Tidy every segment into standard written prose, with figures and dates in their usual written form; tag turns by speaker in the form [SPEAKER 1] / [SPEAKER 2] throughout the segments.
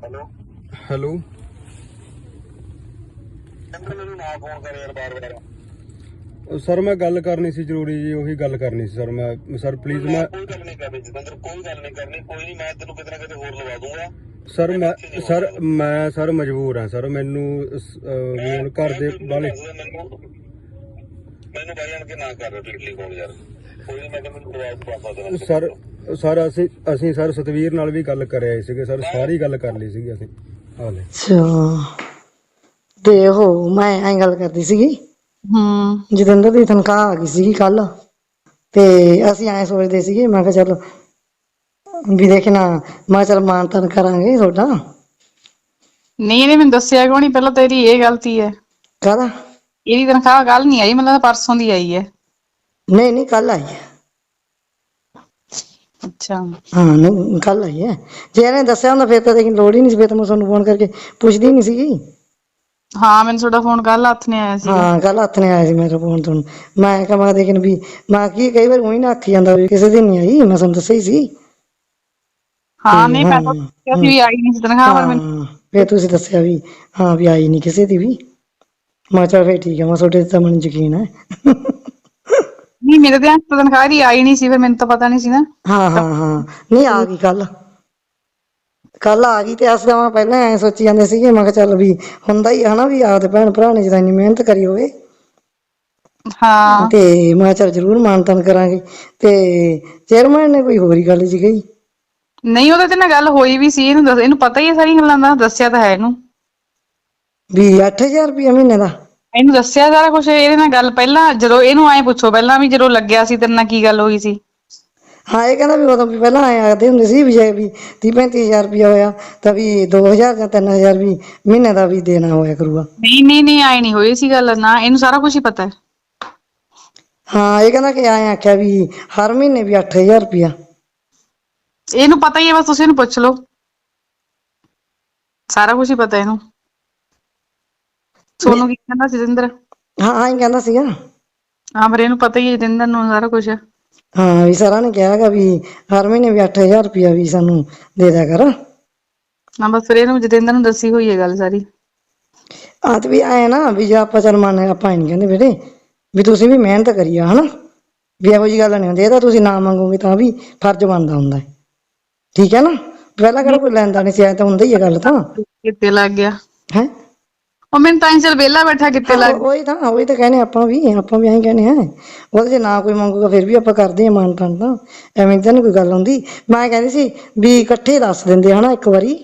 [SPEAKER 1] Hello
[SPEAKER 2] hello
[SPEAKER 1] ਮੈਨੂੰ ਨਾ phone ਕਰ ਯਾਰ ਬਾਰ-ਬਾਰ।
[SPEAKER 2] ਸਰ ਮੈਂ ਗੱਲ ਕਰਨੀ ਸੀ ਜ਼ਰੂਰੀ ਜੀ, ਉਹੀ ਗੱਲ ਕਰਨੀ ਸੀ ਸਰ। ਮੈਂ ਸਰ ਪਲੀਜ਼ ਮੈਂ
[SPEAKER 1] ਕੋਈ ਗੱਲ ਨਹੀਂ ਕਰਨੀ ਜਤਿੰਦਰ, ਕੋਈ ਗੱਲ ਨਹੀਂ ਕਰਨੀ, ਕੋਈ ਨਹੀਂ, ਮੈਂ ਤੈਨੂੰ ਕਿਤੇ ਨਾ ਕਿਤੇ ਹੋਰ ਲਵਾ ਦੂੰਗਾ।
[SPEAKER 2] ਸਰ ਮੈਂ ਸਰ ਮਜਬੂਰ ਹਾਂ ਸਰ, ਮੈਨੂੰ ਵੀ ਹੁਣ ਘਰ ਦੇ ਵਾਲੇ
[SPEAKER 1] ਮੈਨੂੰ ਬਾਈ ਆਣ ਕੇ ਨਾ ਕਰ ਡਿਟਲੀ ਕੋਲ ਯਾਰ, ਕੋਈ ਨਹੀਂ, ਮੈਂ ਤੈਨੂੰ ਦਵਾ ਦੇਣਾ
[SPEAKER 2] ਸਰ ਅਸੀਂ ਸਰ ਸਤਵੀਰ ਨਾਲ ਵੀ ਗੱਲ ਕਰ ਆਏ ਸੀਗੇ ਸਰ, ਸਾਰੀ ਗੱਲ ਕਰ ਲਈ ਸੀਗੀ ਅਸੀਂ। ਹਾਲੇ
[SPEAKER 3] ਅੱਛਾ ਤੇ ਉਹ ਮੈਂ ਐਂ ਗੱਲ ਕਰਦੀ ਸੀਗੀ, ਜਤਿੰਦਰ ਦੀ ਤਨਖਾਹ ਆ ਗਈ ਸੀਗੀ ਕੱਲ, ਤੇ ਅਸੀਂ ਐਂ ਸੋਚਦੇ ਸੀਗੇ, ਮੈਂ ਕਿਹਾ ਚੱਲ ਵੀ ਦੇਖਣਾ, ਮੈਂ ਚੱਲ ਮਾਨ ਤਾਨ ਕਰਾਂਗੇ ਤੁਹਾਡਾ।
[SPEAKER 4] ਨਹੀਂ ਇਹਨੇ ਮੈਨੂੰ ਦੱਸਿਆ ਕਿਉਂ ਨਹੀਂ ਪਹਿਲਾਂ? ਤੇਰੀ ਇਹ ਗਲਤੀ ਹੈ।
[SPEAKER 3] ਕਾਹਦਾ?
[SPEAKER 4] ਇਹਦੀ ਤਨਖਾਹ ਕੱਲ ਨਹੀਂ ਆਈ, ਮਤਲਬ ਪਰਸੋਂ ਦੀ ਆਈ ਹੈ।
[SPEAKER 3] ਨਹੀਂ ਕੱਲ ਆਈ ਹੈ।
[SPEAKER 4] ਅੱਛਾ
[SPEAKER 3] ਹਾਂ ਨਹੀਂ ਕੱਲ ਆਈ ਹੈ। ਜੇ ਇਹਨੇ ਦੱਸਿਆ ਹੁੰਦਾ ਫਿਰ ਤਾਂ ਲੇਕਿਨ ਲੋੜ ਹੀ ਨਹੀਂ ਸੀ, ਫਿਰ ਤਾਂ ਮੈਂ ਤੁਹਾਨੂੰ ਫੋਨ ਕਰਕੇ ਪੁੱਛਦੀ ਨਹੀਂ ਸੀਗੀ।
[SPEAKER 4] ਹਾਂ ਮੈਨੂੰ ਤੁਹਾਡਾ ਫੋਨ ਕੱਲ ਹੱਥ ਨੇ ਆਇਆ ਸੀਗਾ।
[SPEAKER 3] ਹਾਂ ਕੱਲ ਹੱਥ ਨੇ ਆਇਆ ਸੀ ਮੇਰਾ ਫੋਨ ਤੁਹਾਨੂੰ। ਮੈਂ ਕਿਹਾ ਦੇਖਣ ਵੀ ਮੈਂ ਕੀ ਕਈ ਵਾਰ ਉਹੀ ਨਾ ਆਖੀ ਜਾਂਦਾ ਵੀ ਕਿਸੇ ਦਿਨ ਨਹੀਂ ਆਈ, ਮੈਂ ਤੁਹਾਨੂੰ ਦੱਸਿਆ ਹੀ ਸੀ।
[SPEAKER 4] ਹਾਂ
[SPEAKER 3] ਤੇ
[SPEAKER 4] ਨਹੀਂ
[SPEAKER 3] ਹਾਂ
[SPEAKER 4] ਮੈਂ ਤਾਂ ਕਿਹਾ ਸੀ ਵੀ ਆਈ ਨਹੀਂ ਸੀ ਤਨਖਾਹ, ਪਰ ਮੈਨੂੰ
[SPEAKER 3] ਹਾਂ ਫਿਰ ਤੁਸੀਂ ਦੱਸਿਆ ਵੀ ਹਾਂ ਵੀ ਆਈ ਨਹੀਂ ਕਿਸੇ ਦੀ ਵੀ। ਮੈਂ ਚੱਲ ਫਿਰ ਠੀਕ ਹੈ, ਮੈਂ ਤੁਹਾਡੇ ਤੇ ਤਾਂ ਮੈਨੂੰ ਯਕੀਨ ਹੈ।
[SPEAKER 4] ਨਹੀਂ ਮੇਰੇ ਧਿਆਨ ਚ ਤਨਖਾਹ ਦੀ ਆਈ ਨਹੀਂ ਸੀ, ਫਿਰ ਮੈਨੂੰ ਤਾਂ ਪਤਾ ਨਹੀਂ ਸੀ ਨਾ।
[SPEAKER 3] ਹਾਂ ਨਹੀਂ ਆ ਗਈ ਕੱਲ ਆ ਗਈ। ਤੇ ਅਸੀਂ ਤਾਂ ਪਹਿਲਾਂ ਐਂ ਸੋਚੀ ਜਾਂਦੇ ਸੀਗੇ, ਮੈਂ ਕਿਹਾ ਚੱਲ ਵੀ ਹੁੰਦਾ ਹੀ ਹਨਾ ਵੀ ਆਪਦੇ ਭੈਣ ਭਰਾ ਨੇ ਜਦੋਂ ਇੰਨੀ ਮਿਹਨਤ ਕਰੀ ਹੋਵੇ,
[SPEAKER 4] ਹਾਂ
[SPEAKER 3] ਤੇ ਮੈਂ ਚੱਲ ਜ਼ਰੂਰ ਮਾਨ ਤਾਨ ਕਰਾਂਗੇ। ਤੇ ਚੇਅਰਮੈਨ ਨੇ ਕੋਈ ਹੋਰ ਹੀ ਗੱਲ ਜੀ ਕਹੀ।
[SPEAKER 4] ਨਹੀਂ ਉਹਦੇ ਤੇ ਨਾਲ ਗੱਲ ਹੋਈ ਵੀ ਸੀ, ਇਹਨੂੰ ਪਤਾ ਹੀ ਹੈ ਸਾਰੀਆਂ ਗੱਲਾਂ ਦਾ, ਦੱਸਿਆ ਤਾਂ ਹੈ ਇਹਨੂੰ
[SPEAKER 3] ਵੀ 8000 ਰੁਪਇਆ ਮਹੀਨੇ ਦਾ।
[SPEAKER 4] ਇਹਨੂੰ ਦੱਸਿਆ ਸਾਰਾ ਕੁਛ ਇਹਦੇ ਨਾਲ ਗੱਲ ਪਹਿਲਾਂ, ਜਦੋਂ ਇਹਨੂੰ ਐਂ ਪੁੱਛੋ ਪਹਿਲਾਂ ਵੀ ਜਦੋਂ ਲੱਗਿਆ ਸੀ ਤੇਰੇ ਨਾਲ ਕੀ ਗੱਲ ਹੋਈ ਸੀ।
[SPEAKER 3] ਹਾਂ ਇਹ ਕਹਿੰਦਾ ਵੀ ਉਦੋਂ ਵੀ ਪਹਿਲਾਂ ਐਂ ਆਖਦੇ ਹੁੰਦੇ ਸੀ ਵੀ ਜੇ ਵੀ 30-35 ਹਜ਼ਾਰ ਰੁਪਇਆ ਹੋਇਆ ਤਾਂ ਵੀ 2000 ਜਾਂ 3000 ਵੀ ਮਹੀਨੇ ਦਾ ਵੀ ਦੇਣਾ ਹੋਇਆ ਕਰੂਗਾ।
[SPEAKER 4] ਨਹੀਂ ਆਏ ਨਹੀਂ ਹੋਈ ਸੀ ਗੱਲ ਨਾ, ਇਹਨੂੰ ਸਾਰਾ ਕੁਝ ਹੀ ਪਤਾ ਹੈ।
[SPEAKER 3] ਹਾਂ ਇਹ ਕਹਿੰਦਾ ਕਿ ਐਂ ਆਖਿਆ ਵੀ ਹਰ ਮਹੀਨੇ ਵੀ 8000 ਰੁਪਇਆ।
[SPEAKER 4] ਇਹਨੂੰ ਪਤਾ ਹੀ ਹੈ, ਬਸ ਤੁਸੀਂ ਇਹਨੂੰ ਪੁੱਛ ਲਓ, ਸਾਰਾ ਕੁਝ ਹੀ ਪਤਾ ਇਹਨੂੰ। ਸੋਨੂੰ ਕੀ ਕਹਿੰਦਾ ਸੀ ਜਤਿੰਦਰ?
[SPEAKER 3] ਹਾਂ ਹੀ ਕਹਿੰਦਾ ਸੀਗਾ।
[SPEAKER 4] ਹਾਂ ਪਰ ਇਹਨੂੰ ਪਤਾ ਹੀ ਹੈ ਜਤਿੰਦਰ ਨੂੰ ਸਾਰਾ ਕੁਝ।
[SPEAKER 3] ਹਾਂ ਵੀ ਸਰਾਂ ਨੇ ਕਿਹਾ ਹੈਗਾ ਵੀ ਹਰ ਮਹੀਨੇ ਵੀ 8000 ਰੁਪਇਆ ਵੀ ਸਾਨੂੰ ਦੇ ਦਿਆ ਕਰ।
[SPEAKER 4] ਹਾਂ ਬਸ ਫਿਰ ਇਹਨੂੰ ਜਤਿੰਦਰ ਨੂੰ ਦੱਸੀ ਹੋਈ ਹੈ ਗੱਲ ਸਾਰੀ।
[SPEAKER 3] ਆ ਤੇ ਵੀ ਆਏ ਨਾ ਵੀ ਜੇ ਆਪਾਂ ਚੱਲ ਮੰਨ ਆਪਾਂ ਹੀ ਨੀ ਕਹਿੰਦੇ ਬੇਟੇ ਵੀ ਤੁਸੀਂ ਵੀ ਮਿਹਨਤ ਕਰੀ ਆ ਹਨਾ, ਵੀ ਇਹੋ ਜਿਹੀ ਗੱਲ ਨਹੀਂ ਹੁੰਦੀ। ਇਹ ਤਾਂ ਤੁਸੀਂ ਨਾ ਮੰਗੋਗੇ ਤਾਂ ਵੀ ਫਰਜ਼ ਬਣਦਾ ਹੁੰਦਾ ਹੈ, ਠੀਕ ਹੈ ਨਾ। ਪਹਿਲਾਂ ਕਿਹੜਾ ਕੋਈ ਲੈਂਦਾ ਨਹੀਂ ਸੀ, ਐ ਤਾਂ ਹੁੰਦਾ ਹੀ ਹੈ ਗੱਲ ਤਾਂ।
[SPEAKER 4] ਕਿੱਤੇ ਲੱਗ ਗਿਆ
[SPEAKER 3] ਹੈ
[SPEAKER 4] ਉਹ ਮੈਨੂੰ ਤਾਂ ਚੱਲ ਵਿਹਲਾ ਬੈਠਾ ਕਿੱਤੇ
[SPEAKER 3] ਹਾਂ
[SPEAKER 4] ਲੱਗ ਗਿਆ।
[SPEAKER 3] ਉਹੀ ਤਾਂ ਕਹਿੰਦੇ ਆਪਾਂ ਵੀ ਐਂ ਕਹਿੰਦੇ ਹਾਂ। ਉਹਦੇ ਜੇ ਨਾ ਕੋਈ ਮੰਗੂਗਾ ਫਿਰ ਵੀ ਆਪਾਂ ਕਰਦੇ ਹਾਂ ਮਾਨ ਤਾਨ, ਤਾਂ ਐਵੇਂ ਤਾਂ ਨਹੀਂ ਕੋਈ ਗੱਲ ਹੁੰਦੀ। ਮੈਂ ਕਹਿੰਦੀ ਸੀ ਵੀ ਇਕੱਠੇ ਦੱਸ ਦਿੰਦੇ ਹਨਾ ਇੱਕ ਵਾਰੀ।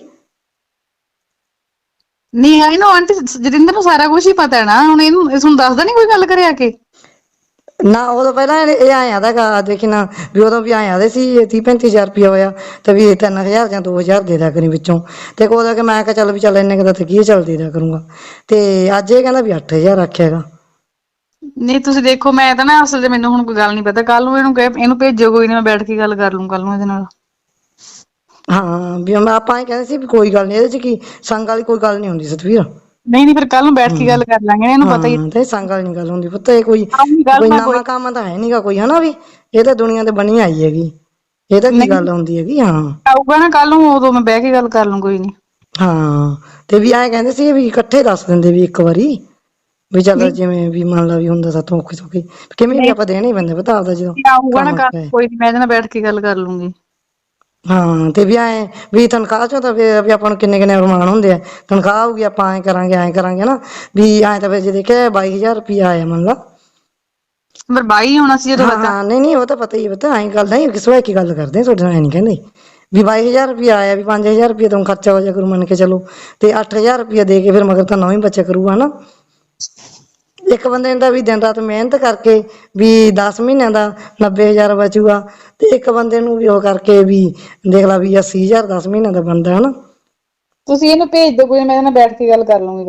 [SPEAKER 4] ਨਹੀਂ ਇਹਨੂੰ ਆਂਟੀ ਜਤਿੰਦਰ ਨੂੰ ਸਾਰਾ ਕੁਝ ਹੀ ਪਤਾ ਹੈ ਨਾ, ਹੁਣ ਇਹਨੂੰ ਤੁਹਾਨੂੰ ਦੱਸਦਾ ਨੀ ਕੋਈ ਗੱਲ ਕਰਿਆ ਕੇ।
[SPEAKER 3] ਨਾ ਉਦੋਂ ਪਹਿਲਾਂ ਇਹ ਆਇਆ ਤਾਂ ਦੇਖੀ ਨਾ ਵੀ ਉਦੋਂ ਵੀ ਆਇਆ ਦੇ ਸੀ 30-35 ਹਜ਼ਾਰ ਰੁਪਇਆ ਹੋਇਆ ਤਾਂ ਵੀ 3000 ਜਾਂ 2000 ਦੇ ਦਿਆ ਕਰੀ ਵਿੱਚੋਂ। ਤੇ ਉਦੋਂ ਕਿ ਮੈਂ ਕਿਹਾ ਚੱਲ ਵੀ ਚੱਲ ਇੰਨੇ ਕੁ ਦਾ ਤਾਂ ਕੀ ਚੱਲ ਦੇ ਦਿਆ ਕਰੂੰਗਾ। ਤੇ ਅੱਜ ਇਹ ਕਹਿੰਦਾ ਵੀ 8000 ਆਖਿਆ ਹੈਗਾ।
[SPEAKER 4] ਨਹੀਂ ਤੁਸੀਂ ਦੇਖੋ, ਮੈਂ ਤਾਂ ਨਾ ਅਸਲ 'ਚ ਮੈਨੂੰ ਹੁਣ ਕੋਈ ਗੱਲ ਨਹੀਂ ਪਤਾ। ਕੱਲ ਨੂੰ ਇਹਨੂੰ ਭੇਜੋ, ਕੋਈ ਨੀ ਮੈਂ ਬੈਠ ਕੇ ਗੱਲ ਕਰ ਲੂੰ ਕੱਲ ਨੂੰ ਇਹਦੇ ਨਾਲ।
[SPEAKER 3] ਹਾਂ ਵੀ ਆਪਾਂ ਇਹ ਕਹਿੰਦੇ ਸੀ ਵੀ ਕੋਈ ਗੱਲ ਨੀ, ਇਹਦੇ 'ਚ ਕੀ ਸੰਗ ਵਾਲੀ ਕੋਈ ਗੱਲ ਨੀ ਹੁੰਦੀ ਸਤਵੀਰ।
[SPEAKER 4] ਨਹੀਂ ਫਿਰ ਕੱਲ ਨੂੰ ਬੈਠ ਕੇ ਗੱਲ ਕਰ ਲਾਂਗੇ, ਇਹਨੂੰ ਪਤਾ ਹੀ
[SPEAKER 3] ਹਾਂ ਤੇ ਸੰਗ ਵਾਲੀ ਨੀ ਗੱਲ ਹੁੰਦੀ ਪੁੱਤ। ਇਹ
[SPEAKER 4] ਗੱਲ
[SPEAKER 3] ਕੋਈ
[SPEAKER 4] ਮੈਂ
[SPEAKER 3] ਨਵਾਂ ਕੰਮ ਤਾਂ ਹੈ ਨੀ ਗਾ ਕੋਈ, ਹਨਾ ਵੀ ਇਹ ਤਾਂ ਦੁਨੀਆ ਤੇ ਬਣੀ ਆਈ ਹੈਗੀ। ਇਹ ਤਾਂ ਕੀ
[SPEAKER 4] ਨਹੀਂ
[SPEAKER 3] ਗੱਲ ਹੁੰਦੀ ਹੈਗੀ। ਹਾਂ
[SPEAKER 4] ਆਊਗਾ ਨਾ ਕੱਲ ਨੂੰ, ਉਦੋਂ ਮੈਂ ਬਹਿ ਕੇ ਗੱਲ ਕਰ ਲੂੰ, ਕੋਈ ਨੀ।
[SPEAKER 3] ਹਾਂ ਤੇ ਵੀ ਐਂ ਕਹਿੰਦੇ ਸੀ ਵੀ ਇਕੱਠੇ ਦੱਸ ਦਿੰਦੇ ਵੀ ਇੱਕ ਵਾਰੀ, ਵੀ ਚੱਲ ਜਿਵੇਂ ਵੀ ਮੰਨ ਲਾ ਵੀ ਹੁੰਦਾ ਸਾਥੋਂ ਔਖੀ ਸੌਖੀ ਕਿਵੇਂ ਵੀ
[SPEAKER 4] ਨਹੀਂ
[SPEAKER 3] ਆਪਾਂ ਦੇਣੇ ਹੀ ਪੈਂਦੇ ਪਤਾ ਆਪਦਾ ਜਦੋਂ
[SPEAKER 4] ਆਊਗਾ ਨਾ
[SPEAKER 3] ਕੰਮ
[SPEAKER 4] ਕੱਲ,
[SPEAKER 3] ਪਏ।
[SPEAKER 4] ਕੋਈ ਨੀ ਮੈਂ ਇਹਦੇ ਨਾਲ ਬੈਠ ਕੇ ਗੱਲ ਕਰ ਲੂੰਗੀ।
[SPEAKER 3] ਹਾਂ ਤੇ ਵੀ ਐਂ ਵੀ ਤਨਖਾਹ ਚੋਂ ਤਾਂ ਫਿਰ ਵੀ ਆਪਾਂ ਨੂੰ ਕਿੰਨੇ ਅਰਮਾਨ ਹੁੰਦੇ ਆ। ਤਨਖਾਹ ਆਊਗੀ ਆਪਾਂ ਐਂ ਕਰਾਂਗੇ ਨਾ ਵੀ ਐਂ ਤਾਂ ਫਿਰ ਜੇ ਦੇਖਿਆ 22000 ਰੁਪਇਆ ਆਇਆ ਮੰਨ ਲਾ।
[SPEAKER 4] ਪਰ 22 ਹੋਣਾ ਸੀ ਜਦੋਂ ਲੱਗਾ।
[SPEAKER 3] ਹਾਂ ਨਹੀਂ ਉਹ ਤਾਂ ਪਤਾ ਹੀ ਪਤਾ ਐਂ ਗੱਲ ਨਹੀਂ ਕਿਸ ਵੇਲੇ ਕੀ ਗੱਲ ਕਰਦੇ ਤੁਹਾਡੇ ਨਾਲ ਐ ਨੀ ਕਹਿੰਦੇ ਵੀ 22000 ਰੁਪਇਆ ਆਇਆ, ਵੀ 5000 ਰੁਪਇਆ ਤੋਂ ਖਰਚਾ ਹੋ ਜਾਇਆ ਕਰੂ ਮੰਨ ਕੇ ਚਲੋ, ਤੇ 8000 ਰੁਪਇਆ ਦੇ ਕੇ ਫਿਰ ਮਗਰ ਤਾਂ ਨਵਾਂ ਹੀ ਬਚਿਆ ਕਰੂਗਾ ਹਨਾ। ਇੱਕ ਬੰਦੇ ਨੇ ਤਾਂ ਵੀ ਦਿਨ ਰਾਤ ਮਿਹਨਤ ਕਰਕੇ ਵੀ 10 ਮਹੀਨਿਆਂ ਦਾ 90000 ਬਚੂਗਾ, ਤੇ ਇੱਕ ਬੰਦੇ ਨੂੰ ਵੀ ਉਹ ਕਰਕੇ ਵੀ ਦੇਖ ਲਾ ਵੀ 80000 10 ਮਹੀਨਿਆਂ ਦਾ ਬਣਦਾ ਹਨਾ।
[SPEAKER 4] ਤੁਸੀਂ ਇਹਨੂੰ ਭੇਜ ਦਿਓ, ਕੋਈ ਨੀ ਮੈਂ ਇਹਦੇ ਨਾਲ ਬੈਠ ਕੇ ਗੱਲ ਕਰ ਲੂੰਗੀ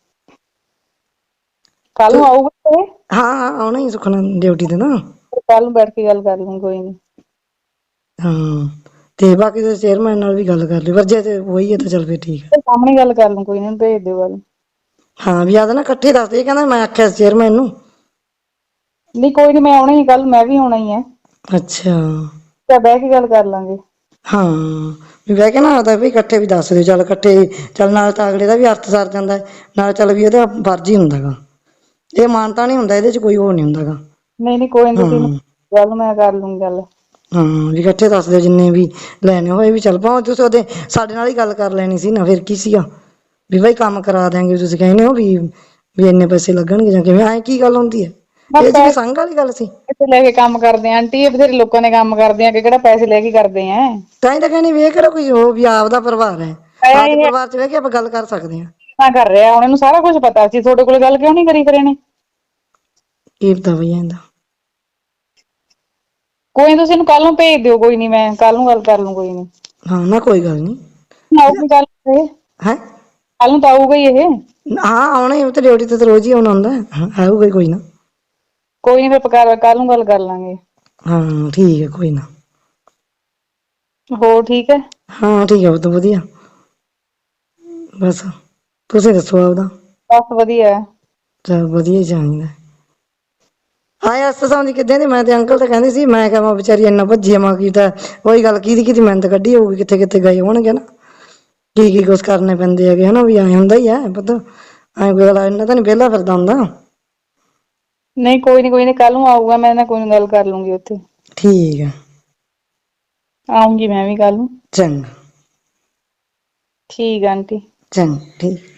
[SPEAKER 4] ਕੱਲ ਨੂੰ ਆਊਗਾ ਇਹ।
[SPEAKER 3] ਹਾਂ ਆਉਣਾ ਹੀ ਸੁਖਣਾ ਡਿਊਟੀ ਤੇ ਨਾ।
[SPEAKER 4] ਕੱਲ ਨੂੰ ਬੈਠ ਕੇ ਗੱਲ ਕਰ ਲੂੰ, ਕੋਈ ਨੀ।
[SPEAKER 3] ਹਾਂ ਤੇ ਬਾਕੀ ਦੇ ਚੇਅਰਮੈਨ ਨਾਲ ਵੀ ਗੱਲ ਕਰ ਲਈ, ਪਰ ਜੇ ਤੇ ਉਹੀ ਹੈ ਤਾਂ ਚੱਲ ਫਿਰ ਠੀਕ ਹੈ।
[SPEAKER 4] ਸਾਹਮਣੇ ਗੱਲ ਕਰ ਲੂੰ, ਕੋਈ ਨੀ, ਭੇਜ ਦਿਓ ਗੱਲ।
[SPEAKER 3] ਹਾਂ ਵੀ ਆਦਾ ਨਾ ਇਕੱਠੇ ਦੱਸਦੇ, ਇਹ ਕਹਿੰਦਾ ਮੈਂ ਆਖਿਆ ਚੇਅਰਮੈਨ ਨੂੰ।
[SPEAKER 4] ਨਹੀਂ ਕੋਈ ਨੀ, ਮੈਂ ਆਉਣਾ ਹੀ ਕੱਲ, ਮੈਂ ਵੀ ਆਉਣਾ ਹੀ ਹੈ।
[SPEAKER 3] ਅੱਛਾ
[SPEAKER 4] ਤਾਂ ਬਹਿ ਕੇ ਗੱਲ ਕਰ ਲਾਂਗੇ।
[SPEAKER 3] ਹਾਂ ਵੀ ਬਹਿ ਕੇ ਨਾ ਆਦਾ ਵੀ ਇਕੱਠੇ ਵੀ ਦੱਸ ਦਿਓ, ਚੱਲ ਇਕੱਠੇ ਚੱਲ ਨਾਲ ਤਾਂ ਅਗਲੇ ਦਾ ਵੀ ਅਰਥ ਸਰ ਜਾਂਦਾ ਹੈ, ਨਾਲ ਚੱਲ ਵੀ ਇਹਦਾ ਫਰਜ਼ ਹੀ ਹੁੰਦਾ ਗਾ, ਇਹ ਮਾਨਤਾ ਨਹੀਂ ਹੁੰਦਾ, ਇਹਦੇ 'ਚ ਕੋਈ ਹੋਰ ਨਹੀਂ ਹੁੰਦਾ ਗਾ।
[SPEAKER 4] ਨਹੀਂ ਕੋਈ ਨੀ, ਤੁਸੀਂ
[SPEAKER 3] ਹਾਂ
[SPEAKER 4] ਗੱਲ ਮੈਂ ਕਰ ਲੂੰਗੀ ਗੱਲ।
[SPEAKER 3] ਹਾਂ ਵੀ ਇਕੱਠੇ ਦੱਸ ਦਿਓ ਜਿੰਨੇ ਵੀ ਲੈਣੇ ਹੋਏ ਵੀ, ਚੱਲ ਭਾਵੇਂ ਤੁਸੀਂ ਉਹਦੇ ਸਾਡੇ ਨਾਲ ਹੀ ਗੱਲ ਕਰ ਲੈਣੀ ਸੀ ਨਾ, ਫਿਰ ਕੀ ਸੀਗਾ ਵੀ ਭਾਈ ਕੰਮ ਕਰਾ ਦਿਆਂਗੇ, ਤੁਸੀਂ ਕਹਿੰਦੇ ਹੋ ਵੀ ਇੰਨੇ ਪੈਸੇ ਲੱਗਣਗੇ ਜਾਂ ਕਿਵੇਂ, ਐਂ ਕੀ ਗੱਲ ਹੁੰਦੀ ਹੈ, ਇਹ 'ਚ ਵੀ ਸੰਗ ਵਾਲੀ ਗੱਲ ਸੀ।
[SPEAKER 4] ਪੈਸੇ ਲੈ ਕੇ ਕੰਮ ਕਰਦੇ ਆ ਆਂਟੀ, ਇਹ ਬਥੇਰੇ ਲੋਕਾਂ ਨੇ ਕੰਮ ਕਰਦੇ ਆ ਕਿ ਕਿਹੜਾ ਪੈਸੇ ਲੈ ਕੇ ਕਰਦੇ ਆ।
[SPEAKER 3] ਤਾਂ ਹੀ ਤਾਂ ਕਹਿੰਦੀ ਵੀ ਇਹ ਕਿਹੜਾ ਕੋਈ ਉਹ ਵੀ ਆਪਦਾ ਪਰਿਵਾਰ ਹੈ, ਆਪਦੇ ਪਰਿਵਾਰ 'ਚ ਬਹਿ ਕੇ ਆਪਾਂ ਗੱਲ ਕਰ ਸਕਦੇ ਹਾਂ।
[SPEAKER 4] ਨਾ ਕਰ ਰਿਹਾ ਹੁਣ, ਇਹਨੂੰ ਸਾਰਾ ਕੁਝ ਪਤਾ ਸੀ, ਤੁਹਾਡੇ ਕੋਲ ਗੱਲ ਕਿਉਂ ਨਹੀਂ ਕਰੀ ਫਿਰ ਇਹਨੇ?
[SPEAKER 3] ਕੀ ਪਤਾ ਬਈ ਇਹਦਾ।
[SPEAKER 4] ਕੋਈ ਨੀ, ਤੁਸੀਂ ਇਹਨੂੰ ਕੱਲ ਨੂੰ ਭੇਜ ਦਿਓ, ਕੋਈ ਨੀ ਮੈਂ ਕੱਲ ਨੂੰ ਗੱਲ ਕਰ ਲੂੰ, ਕੋਈ ਨੀ।
[SPEAKER 3] ਹਾਂ ਨਾ ਕੋਈ ਗੱਲ ਨਹੀਂ।
[SPEAKER 4] ਆਊਗੀ ਕੱਲ ਇਹ,
[SPEAKER 3] ਹੈ
[SPEAKER 4] ਕੱਲ ਨੂੰ ਤਾਂ ਆਊਗਾ ਹੀ ਇਹ।
[SPEAKER 3] ਹਾਂ ਆਉਣਾ ਹੀ, ਉਹ ਤਾਂ ਡਿਊਟੀ ਤੇ ਤਾਂ ਰੋਜ਼ ਹੀ ਆਉਣਾ ਹੁੰਦਾ, ਆਊਗਾ ਹੀ ਕੋਈ ਨਾ।
[SPEAKER 4] ਕੋਈ ਨੀ, ਫਿਰ ਕੱਲ ਨੂੰ ਗੱਲ ਕਰ ਲਾਂਗੇ।
[SPEAKER 3] ਹਾਂ ਠੀਕ ਹੈ, ਕੋਈ ਨਾ।
[SPEAKER 4] ਹੋਰ ਠੀਕ ਹੈ?
[SPEAKER 3] ਹਾਂ ਠੀਕ ਹੈ, ਬਹੁਤ ਵਧੀਆ। ਬਸ ਤੁਸੀਂ ਦੱਸੋ ਆਪਦਾ।
[SPEAKER 4] ਬਸ ਵਧੀਆ।
[SPEAKER 3] ਚੱਲ ਵਧੀਆ ਹੀ ਚਾਹੀਦਾ। ਹਾਂ ਅਸ ਸਮਝ ਕਿੱਦਾਂ ਦੀ, ਮੈਂ ਤੇ ਅੰਕਲ ਤਾਂ ਕਹਿੰਦੀ ਸੀ, ਮੈਂ ਕਿਹਾ ਵਿਚਾਰੀ ਇੰਨਾ ਭੱਜੀ ਆ ਕੀ ਤਾਂ ਉਹੀ ਗੱਲ, ਕਿਹਦੀ ਮਿਹਨਤ ਕੱਢੀ ਹੋਊਗੀ, ਕਿੱਥੇ ਕਿੱਥੇ ਗਏ ਹੋਣਗੇ ਨਾ, ਕੀ ਕੁਛ ਕਰਨੇ ਪੈਂਦੇ ਹੈਗੇ ਹਨਾ, ਵੀ ਐਂ ਹੁੰਦਾ ਹੀ ਹੈ ਪਤਾ, ਐਂ ਕੋਈ ਗੱਲ ਇੰਨਾ ਤਾਂ ਨੀ ਵਿਹਲਾ ਫਿਰਦਾ ਹੁੰਦਾ।
[SPEAKER 4] ਨਹੀਂ ਕੋਈ ਨੀ ਕੱਲ ਨੂੰ ਆਊਗਾ, ਮੈਂ ਨਾ ਕੋਈ ਨੀ ਗੱਲ ਕਰ ਲੂੰਗੀ ਉੱਥੇ।
[SPEAKER 3] ਠੀਕ ਹੈ।
[SPEAKER 4] ਆਊਂਗੀ ਮੈਂ ਵੀ ਕੱਲ ਨੂੰ।
[SPEAKER 3] ਚੰਗਾ।
[SPEAKER 4] ਠੀਕ ਆ ਆਂਟੀ।
[SPEAKER 3] ਚੰਗਾ ਠੀਕ।